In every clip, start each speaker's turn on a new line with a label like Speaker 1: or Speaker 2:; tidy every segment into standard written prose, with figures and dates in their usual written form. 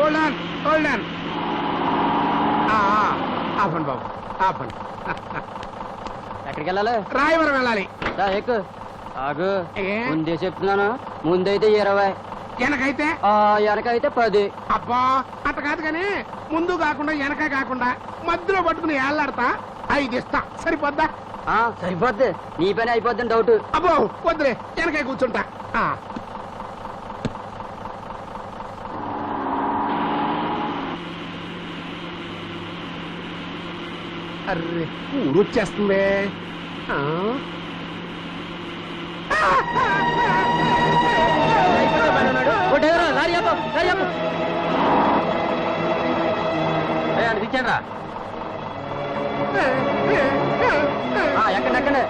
Speaker 1: ఆపండి బాబు ఆపండి.
Speaker 2: ఎక్కడికి వెళ్ళాలి?
Speaker 1: రాయవరం వెళ్ళాలి.
Speaker 2: ఎక్కు. ఆగు, ముందే చెప్తున్నాను. ముందైతే 20,
Speaker 1: వెనకైతే
Speaker 2: వెనకైతే 10.
Speaker 1: అబ్బా అట్ట కాదు కానీ ముందు కాకుండా వెనక కాకుండా మధ్యలో పట్టుకుని ఏళ్ళాడతా 5 ఇస్తా. సరిపోద్దా?
Speaker 2: సరిపోద్ది. నీ పని అయిపోద్దని డౌట్.
Speaker 1: అబ్బో వద్దులే, వెనకాయ కూర్చుంటా. అర్రే ఊరొచ్చేస్తుంది.
Speaker 2: అనిపించారా? ఎక్కడెక్కడే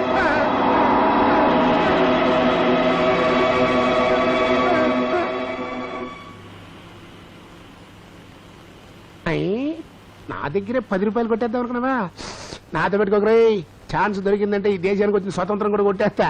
Speaker 1: నా దగ్గరే 10 రూపాయలు కొట్టేద్దాం అనుకున్నావా? నాతో పెట్టుకోకరే. ఛాన్స్ దొరికిందంటే ఈ దేశానికి వచ్చిన స్వతంత్రం కూడా కొట్టేస్తా.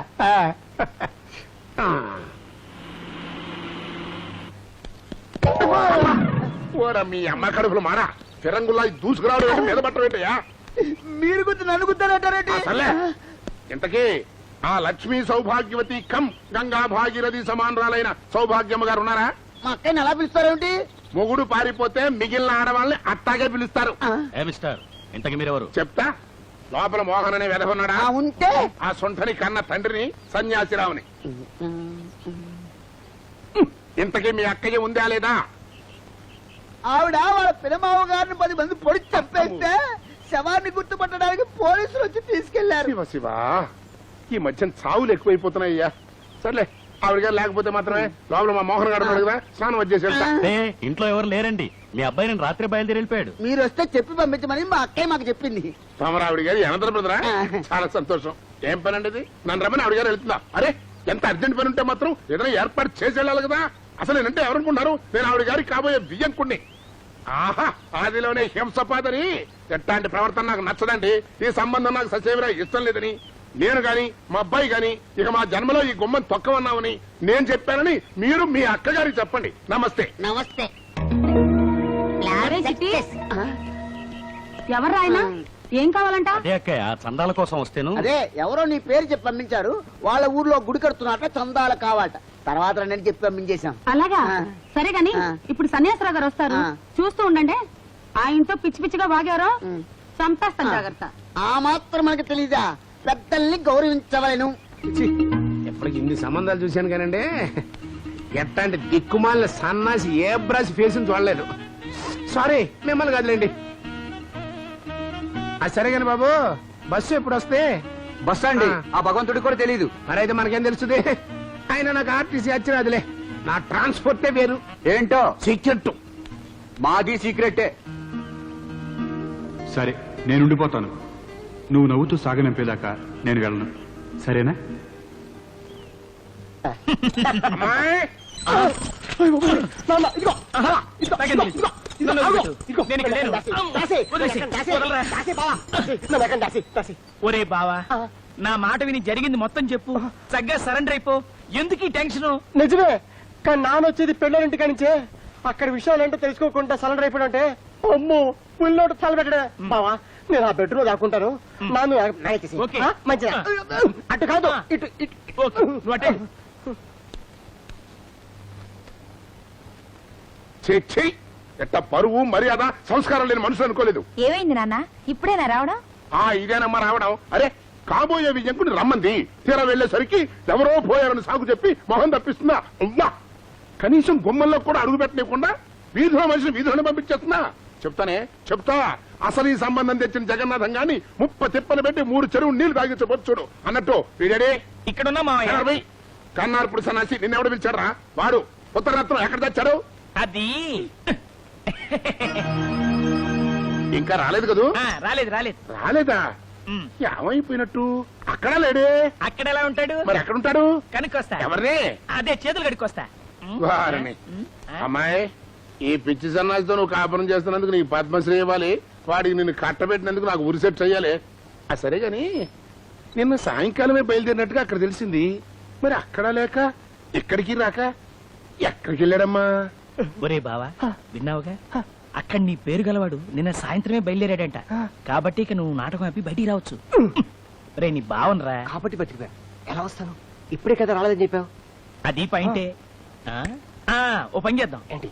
Speaker 1: మీ అమ్మ కడుపులు మారా ఫిరంగుల్లా దూసుకురావడం మీద పట్టవేటయా?
Speaker 3: మీరు గుర్తు నన్ను గుర్తారంటారేంటి?
Speaker 1: ఇంతకీ ఆ లక్ష్మీ సౌభాగ్యవతి కం గంగా భాగీరథి సమానరాలైన సౌభాగ్యమ్మ గారు ఉన్నారా?
Speaker 3: మా అక్కయ్యని ఎలా పిలుస్తారేమిటి?
Speaker 1: మొగుడు పారిపోతే మిగిలిన ఆడవాళ్ళని అట్టాగే పిలుస్తారు.
Speaker 4: ఇంతకీ మీరెవరు?
Speaker 1: చెప్తా. లోపల మోహన్ అనే వెధవన్నాడా?
Speaker 3: ఉంటే
Speaker 1: ఆ సొంటని కన్న తండ్రిని సన్యాసిరావుని. ఇంతకీ మీ అక్కయ్య ఉందా లేదా?
Speaker 3: ఆవిడ వాళ్ళ పినమావ గారిని 10 మంది పొడి చంపేస్తే శవాన్ని గుర్తుపట్టడానికి పోలీసులు వచ్చి తీసుకెళ్లారు.
Speaker 1: శివ శివ, ఈ మధ్యన చావులు ఎక్కువైపోతున్నాయ్యా. సర్లే, ఆవిడ గారు లేకపోతే మాత్రమే లోపల మా మోహన్ గారు కదా స్నానం వచ్చేసి.
Speaker 4: ఇంట్లో ఎవరు లేరండి. మీ అబ్బాయి నేను రాత్రి బయలుదేరి వెళ్ళిపోయాడు.
Speaker 3: మీరు వస్తే చెప్పి పంపించమని మా అక్కయ్య మాకు చెప్పింది.
Speaker 1: తమరావిడ గారు ఎనంతరం బ్రదరా? చాలా సంతోషం. ఏం పని అండి ఇది? నన్ను రమ్మని ఆవిడ గారు వెళ్తుందా? అరే ఎంత అర్జెంట్ పని ఉంటే మాత్రం ఏదైనా ఏర్పాటు చేసి వెళ్ళాలి కదా. అసలు నేనంటే ఎవరనుకుంటారు? నేను ఆవిడ గారికి కాబోయే బియ్యంకుణ్ణి. ఆహా, ఆదిలోనే హింసపాదని. ఎట్లాంటి ప్రవర్తన నాకు నచ్చదండి. ఈ సంబంధం నాకు ససేవరా ఇష్టం లేదని నేను గాని మా అబ్బాయి గాని ఇక మా జన్మలో ఈ గుమ్మం తొక్కవన్నామని నేను చెప్పానని మీరు మీ అక్కగారికి చెప్పండి. నమస్తే.
Speaker 5: నమస్తే. ఎవరు ఆయన? ఏం కావాలంట?
Speaker 4: అదే అక్కయ్య, చందాల కోసం వస్తేను.
Speaker 3: అదే ఎవరో నీ పేరు చెప్పి పంపించారు. వాళ్ళ ఊర్లో గుడి కడుతున్నట్ట చందాలు కావాలట. తర్వాత నేను చెప్పి పంపించేశాం.
Speaker 5: అలాగా? సరే గాని ఇప్పుడు సన్యాసరావు గారు వస్తారు, చూస్తూ ఉండండి. ఆయనతో పిచ్చి పిచ్చిగా వాగారో చంపేస్తాను. జాగ్రత్త.
Speaker 3: ఆ మాత్రం మనకి తెలీదా? పెద్దల్ని గౌరవించవలను.
Speaker 1: ఎప్పటికి ఇన్ని సంబంధాలు చూశాను కానండి, ఎట్లాంటి దిక్కుమాలిన సన్నాసి ఏ బ్రాసి ఫేస్ చూడలేదు. సారీ, మిమ్మల్ని కదలండి. అది సరే కాని బాబు, బస్సు ఎప్పుడు వస్తే?
Speaker 2: బస్ అండి, ఆ భగవంతుడికి కూడా తెలీదు.
Speaker 1: మరైతే మనకేం తెలుస్తుంది? ఆయన నాకు ఆర్టీసీ వచ్చినదిలే. నా ట్రాన్స్పోర్టే వేరు.
Speaker 2: ఏంటో
Speaker 1: సీక్రెట్.
Speaker 2: మాది సీక్రెటే.
Speaker 6: సరే, నేను ఉండిపోతాను. నువ్వు నవ్వుతూ సాగనంపేదాకా నేను వెళ్ళను. సరేనా?
Speaker 7: ఒరే బావా, నా మాట విని జరిగింది మొత్తం చెప్పు. చక్కగా సరెండర్ అయిపో. ఎందుకు ఈ టెన్షన్?
Speaker 8: నిజమే, కానీ నానొచ్చేది పెళ్ళోరింటి కానించే. అక్కడ విషయాలు ఏంటో తెలుసుకోకుండా సరెండర్ అయిపోయినంటే అమ్మో పుల్లోటు తలబెట్టడే. బావా, నేను ఆ బెడ్ లో దాక్కుంటాను. నాను మంచిదా? అటు కాదు, ఇటు ఇటు.
Speaker 1: ఎట్ట పరువు మర్యాద సంస్కారం లేని మనుషులు అనుకోలేదు.
Speaker 5: ఏమైంది నాన్న? ఇప్పుడేనా రావడం?
Speaker 1: ఇదేనమ్మా రావడం. అరే కాబోయే విజయంకుని రమ్మంది. తీరా వెళ్లేసరికి ఎవరో పోయారని సాగు చెప్పి మొహం తప్పిస్తుందా? అమ్మా, కనీసం గుమ్మల్లో కూడా అడుగు పెట్టలేకుండా వీధిలో మనిషిని వీధిలోనే పంపించేస్తున్నా. చెప్తా. అసలు ఈ సంబంధం తెచ్చిన జగన్నాథం గాని 30 తిప్పలు పెట్టి 3 చెరువు నీళ్లు తాగించబోతు చూడు అన్నట్టు. వీడే
Speaker 7: ఇక్కడున్నా
Speaker 1: కన్నార్పుడు సన్నాసి నిన్నెవడు పిలిచాడరా? వాడు ఉత్తరరత్నం ఎక్కడ తెచ్చాడు?
Speaker 7: అది
Speaker 1: ఇంకా రాలేదు కదూ? రాలేదా? ఏమైపోయినట్టు? అక్కడ లేడే.
Speaker 7: అక్కడ ఎలా ఉంటాడు?
Speaker 1: మరి ఎక్కడుంటాడు?
Speaker 7: కనుక్కొస్తా.
Speaker 1: ఎవరిని?
Speaker 7: అదే చేతులు కడుక్కొస్తా.
Speaker 1: వారిని. అమ్మాయి, ఈ పిచ్చి సన్నాసితో నువ్వు కాపురం చేస్తున్నందుకు నీకు పద్మశ్రీ ఇవ్వాలి. వాడికి నిన్ను కట్టబెట్టినందుకు నాకు ఉరిసెట్ చెయ్యాలి. సరే గాని నిన్న సాయంకాలమే బయలుదేరినట్టుగా అక్కడ తెలిసింది. మరి అక్కడ లేక ఇక్కడికి రాక ఎక్కడికి వెళ్ళాడమ్మా?
Speaker 7: ఒరే బావా విన్నావుగా అక్కడ నీ పేరు గలవాడు నిన్న సాయంత్రమే బయలుదేరాడంట కాబట్టి ఇక నువ్వు నాటకం ఆపి బయటికి రావచ్చు రే నీ బావనరా
Speaker 8: కాబట్టి బతికిపోయా ఎలా వస్తాను ఇప్పుడే కదా రాలేదని చెప్పావు
Speaker 7: అది పాయింటే ఓ పని చేద్దాం
Speaker 8: ఏంటి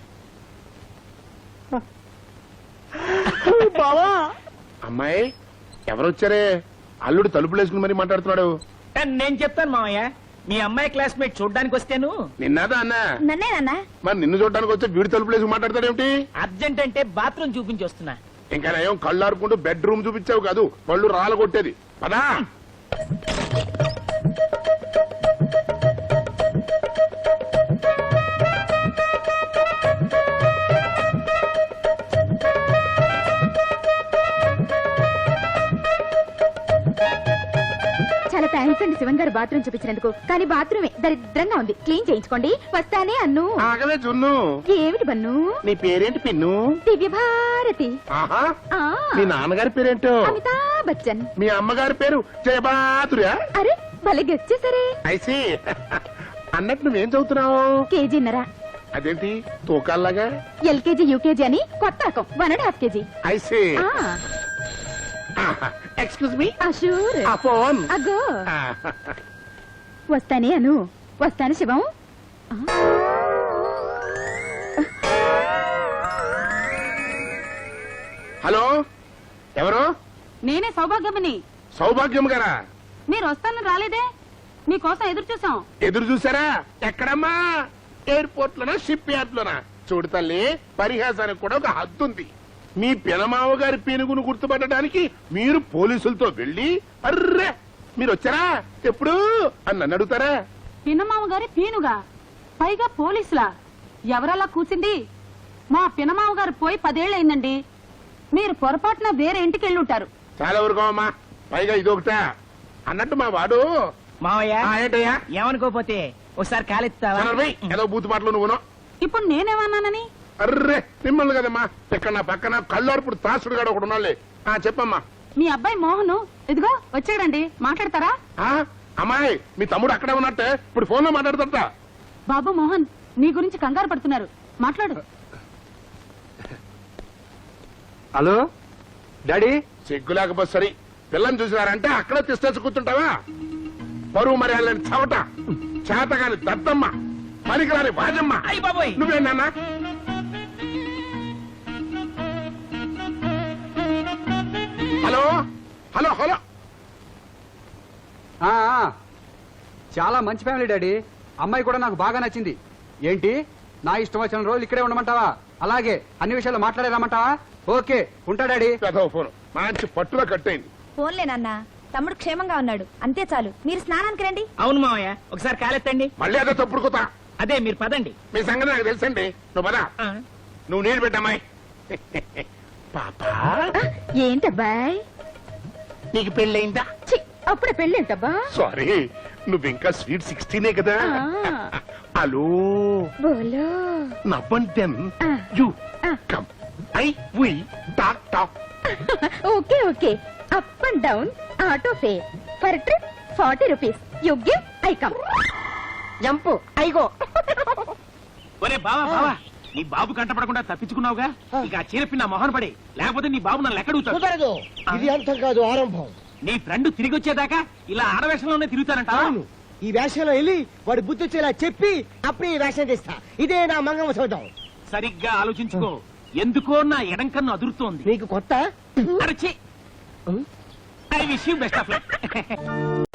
Speaker 8: బావా
Speaker 1: అమ్మాయి ఎవరొచ్చారే? అల్లుడు తలుపులు వేసుకుని మరీ మాట్లాడుతున్నాడు.
Speaker 7: నేను చెప్తాను మామయ్య మీ అమ్మాయి క్లాస్మేట్ చూడ్డానికి వస్తేను
Speaker 1: నిన్నదా అన్న
Speaker 5: నన్నే నాన్న
Speaker 1: మరి నిన్ను చూడడానికి వచ్చి వీడి తలుపులు వేసుకుని మాట్లాడతాడేమిటి?
Speaker 7: అర్జెంట్ అంటే బాత్రూమ్ చూపించి వస్తున్నా
Speaker 1: ఇంకా నయం కళ్ళు ఆడుకుంటూ బెడ్రూమ్ చూపించావు కాదు, పళ్ళు రాలగొట్టేది. పదా
Speaker 5: చాలా థ్యాంక్స్ అండి శివన్ గారు బాత్రూమ్ చూపించినందుకు. కానీ బాత్రూమే దరిద్రంగా ఉంది, క్లీన్ చేయించుకోండి. వస్తానే అన్ను.
Speaker 1: ఆగవే జున్ను.
Speaker 5: ఏమిటి బన్ను?
Speaker 1: నీ పేరేంటి పిన్ను?
Speaker 5: దివ్య భారతి.
Speaker 1: ఆహా,
Speaker 5: ఆ,
Speaker 1: మీ నాన్నగారి పేరేంటో?
Speaker 5: అమితాబ్ బచ్చన్.
Speaker 1: మీ అమ్మగారి పేరు జయబాతురా?
Speaker 5: అరే భలే గెస్ట్ చేశారే.
Speaker 1: ఐసి అన్నట్టు నువ్వేం చదువుతున్నావు?
Speaker 5: కేజీన్నర.
Speaker 1: అదేంటి తూకాల్లాగా?
Speaker 5: ఎల్కేజీ యూకేజీ అని కొత్త రకం 1.5 KG.
Speaker 1: I see excuse me,
Speaker 5: assure.
Speaker 1: ఆ ఫోన్.
Speaker 5: అగో వస్తానే అను. వస్తాను శివం.
Speaker 1: హలో, ఎవరు?
Speaker 5: నేనే సౌభాగ్యమని.
Speaker 1: సౌభాగ్యం గారా?
Speaker 5: మీరు వస్తానని రాలేదే, మీకోసం ఎదురు చూసాం.
Speaker 1: ఎదురు చూసారా? ఎక్కడమ్మా? ఎయిర్పోర్ట్ లోనా, షిప్ యార్డ్ లోనా? చూడు తల్లి, పరిహాసానికి కూడా ఒక హద్దు ఉంది. మీ పినమావ గారి పీనుగును గుర్తుపట్టడానికి మీరు పోలీసులతో వెళ్ళి అర్రే మీరు వచ్చారా ఎప్పుడు అని నన్ను అడుగుతారా?
Speaker 5: పినమామ గారి పీనుగా, పైగా పోలీసులా? ఎవరలా కూర్చుంది? మా పినమామ గారు పోయి 10 ఏళ్ళయిందండి. మీరు పొరపాటున వేరే ఇంటికి వెళ్ళుంటారు.
Speaker 1: చాలా వరకు అమ్మా, పైగా ఇదొకటా అన్నట్టు మా వాడు.
Speaker 7: మామయ్య
Speaker 1: ఏంటయ్యా?
Speaker 7: ఏమనుకోపోతే ఒకసారి కాలెత్తావా?
Speaker 1: చనరబై, ఏదో బూతు మాటలు నువ్వును.
Speaker 5: ఇప్పుడు నేనేమన్నానని?
Speaker 1: అర్రే మిమ్మల్ని కదమ్మా, ఇక్కడ నా పక్కన కళ్ళార్పుడు తాసుడు గాడు ఒకడు ఉన్నాలే. చెప్పమ్మా.
Speaker 5: మీ అబ్బాయి మోహను ఇదిగో వచ్చాడండి, మాట్లాడతారా?
Speaker 1: అమ్మాయి, మీ తమ్ముడు అక్కడే ఉన్నట్టే, ఇప్పుడు ఫోన్ లో మాట్లాడుతుంట.
Speaker 5: బాబు మోహన్ నీ గురించి కంగారు పడుతున్నారు, మాట్లాడు.
Speaker 2: Hello daddy.
Speaker 1: సిగ్గు లేకపోతే సరి, పిల్లని చూసినారంటే అక్కడే తీసుకొచ్చి కూర్చుంటావా? పరువు మర్యాదని చవట, చేతగాని దత్తమ్మ, పనికిరాని వాజమ్మ.
Speaker 7: అయ్ బాబోయ్.
Speaker 1: నువ్వేనా? Hello hello hello.
Speaker 2: చాలా మంచి ఫ్యామిలీ డాడీ. అమ్మాయి కూడా నాకు బాగా నచ్చింది. ఏంటి నా ఇష్టం వచ్చిన రోజులు ఇక్కడే ఉండమంటావా? అలాగే అన్ని విషయాలు మాట్లాడే రమ్మంటావా? ఓకే ఉంటా డాడీ.
Speaker 1: ఫోన్ మంచి పట్టులో కట్టయింది.
Speaker 9: ఫోన్లే నాన్న, తమ్ముడు క్షేమంగా ఉన్నాడు, అంతే చాలు. మీరు స్నానానికి రండి.
Speaker 7: అవును మామయ్య, ఒకసారి కాలెత్తండి.
Speaker 1: మళ్ళీ అదే తప్పుడు కొత్త.
Speaker 7: అదే మీరు పదండి.
Speaker 1: మీ సంగతి నాకు తెలుసండి. నువ్వు పదా, నువ్వు నీళ్ళు పెట్టామాయి. పాపా,
Speaker 5: ఏంటబ్బాయ్?
Speaker 1: నీకు పెళ్ళయిందా?
Speaker 5: అప్పుడే పెళ్ళేంటబ్బా?
Speaker 1: సారీ, నువ్వు ఇంకా స్వీట్ 16 కదా. హలో
Speaker 5: బోలో
Speaker 1: now and then you come I we talk talk.
Speaker 5: Okay okay. Up and down auto fare for trip 40 rupees. You give, I come.
Speaker 8: Jump I go.
Speaker 7: ఒరే బావా బావా, నీ బాబు కంటపడకుండా తప్పించుకున్నావుగా, ఇక ఆ చీరపి నా మొహన పడి, లేకపోతే నీ బాబు నన్ను ఎక్కడుగుతాడు.
Speaker 8: కుదరదు, ఇది అంతం కాదు, ఆరంభం.
Speaker 7: నీ ఫ్రెండ్ తిరిగి వచ్చేదాకా ఇలా ఆడవేషంలోనే తిరుగుతానంట.
Speaker 8: అవును, ఈ వేషంలో వెళ్ళి వాడి బుద్ధి వచ్చేలా చెప్పి అప్పుడు ఈ వేషం తీస్తా. ఇదే నా మంగమ్మ చూద్దాం.
Speaker 7: సరిగ్గా ఆలోచించుకో, ఎందుకో నా ఎడం కన్ను అదురుతోంది.
Speaker 8: నీకు కొత్త
Speaker 7: అరచి. I wish you best of luck.